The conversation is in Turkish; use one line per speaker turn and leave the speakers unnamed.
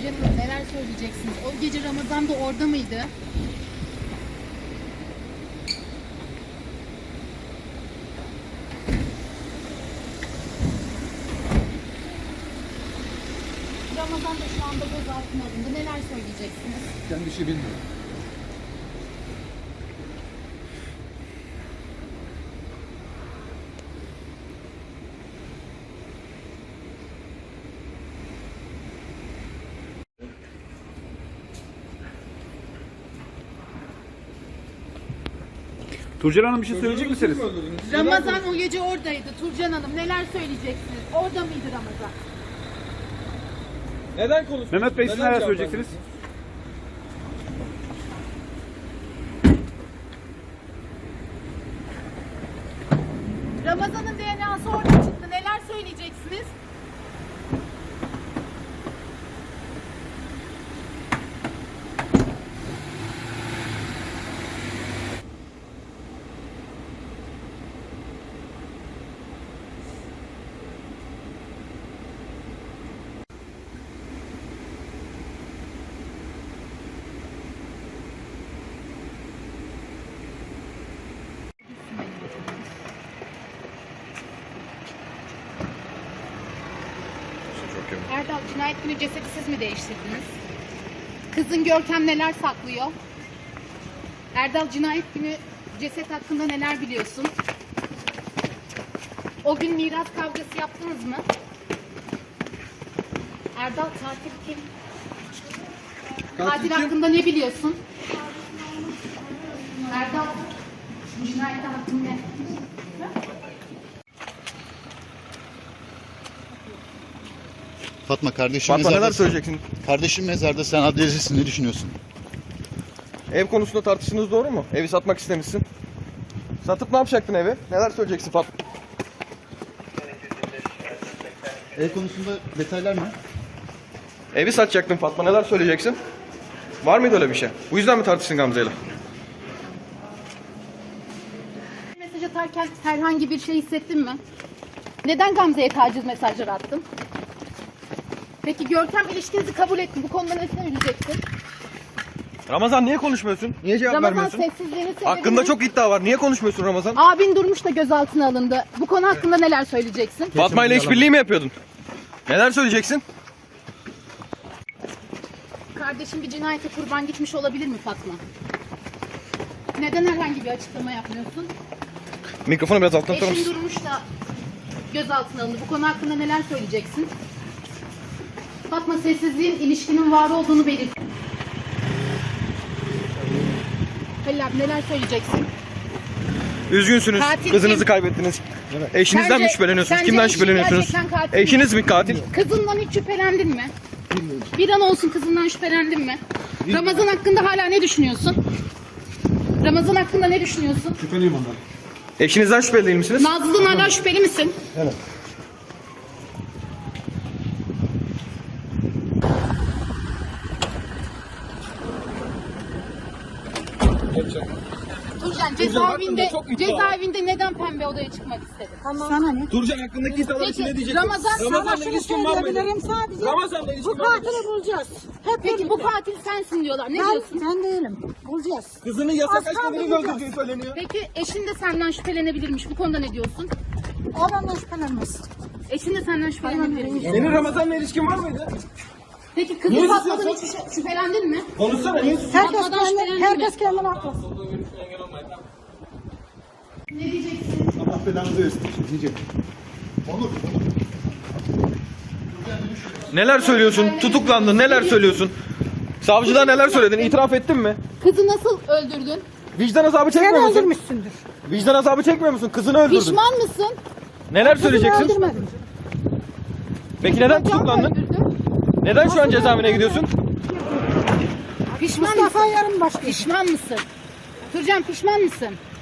Turcan Hanım neler söyleyeceksiniz? O gece Ramazan da orada mıydı? Ramazan da şu anda gözaltına alındı. Neler söyleyeceksiniz?
Ben bir şey bilmiyorum.
Turcan Hanım bir şey söyleyecek misiniz?
Ramazan o gece oradaydı. Turcan Hanım neler söyleyeceksiniz? Orada mıydı Ramazan?
Neden konuşuyorsun?
Mehmet Bey siz neler söyleyeceksiniz?
Ramazan'ın DNA'sı orada çıktı. Neler söyleyeceksiniz? Erdal, cinayet günü cesedi siz mi değiştirdiniz? Kızın Görkem neler saklıyor? Erdal, cinayet günü ceset hakkında neler biliyorsun? O gün miras kavgası yaptınız mı? Erdal, katil kim? Katil hakkında ne biliyorsun? Erdal, cinayet hakkında ne?
Fatma kardeşim
Fatma
mezarda.
neler söyleyeceksin?
Kardeşim mezarda, sen adliyedesin, ne düşünüyorsun?
Ev konusunda tartıştınız, doğru mu? Evi satmak istemişsin. Satıp ne yapacaktın evi? Neler söyleyeceksin Fatma?
Ev konusunda detaylar ne?
Evi satacaktın Fatma, neler söyleyeceksin? Var mıydı öyle bir şey? Bu yüzden mi tartıştın Gamze'yle?
Mesaj atarken herhangi bir şey hissettin mi? Neden Gamze'ye taciz mesajları attın? Peki Görkem ilişkinizi kabul etti. Bu konuda ne söyleyeceksin?
Ramazan niye konuşmuyorsun? Niye cevap
Ramazan
vermiyorsun?
sessizliğini sebebi
Hakkında
ne?
çok iddia var. Niye konuşmuyorsun Ramazan?
Abin Durmuş da gözaltına alındı. Bu konu hakkında neler söyleyeceksin?
Fatma ile işbirliği mi yapıyordun? Neler söyleyeceksin?
Kardeşim bir cinayete kurban gitmiş olabilir mi Fatma? Neden herhangi bir açıklama yapmıyorsun?
Mikrofonu biraz alttan tutar
Eşin
mısın?
Durmuş da gözaltına alındı. Bu konu hakkında neler söyleyeceksin? Fatma, sessizliğin ilişkinin var olduğunu belirt. Halil abi, neler söyleyeceksin?
Üzgünsünüz.
Katil
Kızınızı
kim?
kaybettiniz. Eşinizden mi
Sence-
şüpheleniyorsunuz?
sence
Kimden
eşini
şüpheleniyorsunuz?
gerçekten katil mi?
Eşiniz mi katil?
Kızından hiç şüphelendin mi? Bir an olsun kızından şüphelendin mi? Ramazan hakkında hala ne düşünüyorsun? Ramazan hakkında ne düşünüyorsun?
Şüpheliyim ondan. Eşinizden şüpheli değil misiniz?
Nazlı'dan hala şüpheli misin?
Evet.
Turcan cezaevinde neden pembe odaya çıkmak istedin?
Sana ne?
Turcan hakkındaki iddialar için ne
Peki
diyeceksin?
Ramazan,
Sana şunu söyleyebilirim sadece.
Ramazan'la ilişkin
Bu
var mıydı?
katili bulacağız. Hep
peki bu katil sensin diyorlar. Ne diyorsun?
ben değilim. Bulacağız.
Kızının yasak
Az kaldı,
aşklarını
bulacağız.
öldürdüğü söyleniyor.
Peki eşin de senden şüphelenebilirmiş. Bu konuda ne diyorsun?
O benden şüphelenmez.
Eşin de senden şüphelenebilirmiş.
Senin Ramazan'la ilişkin var mıydı?
Peki kızı
Niye
Fatma'dan
susuyorsun?
hiç şüphelendin mi?
Konuşsana niye susuyorsun?
Herkes kendine haklı.
Ne diyeceksin?
Allah belanı versin. Diyecek. Onur.
Neler söylüyorsun? Tutuklandın. Neler söylüyorsun? Savcılar neler söyledin? İtiraf ettin mi?
Kızı nasıl öldürdün?
Vicdan azabı
Sen
çekmiyor musun?
öldürmüşsündür.
Vicdan azabı çekmiyor musun? Kızını öldürdün.
Pişman mısın?
Neler
Kızını
söyleyeceksin?
öldürmedim.
Peki neden
Can mı
tutuklandın?
öldürdü?
Neden şu an cezaevine gidiyorsun?
Pişman
Mustafa
mısın?
yarın başlıyor.
Pişman mısın? Turcan, pişman mısın?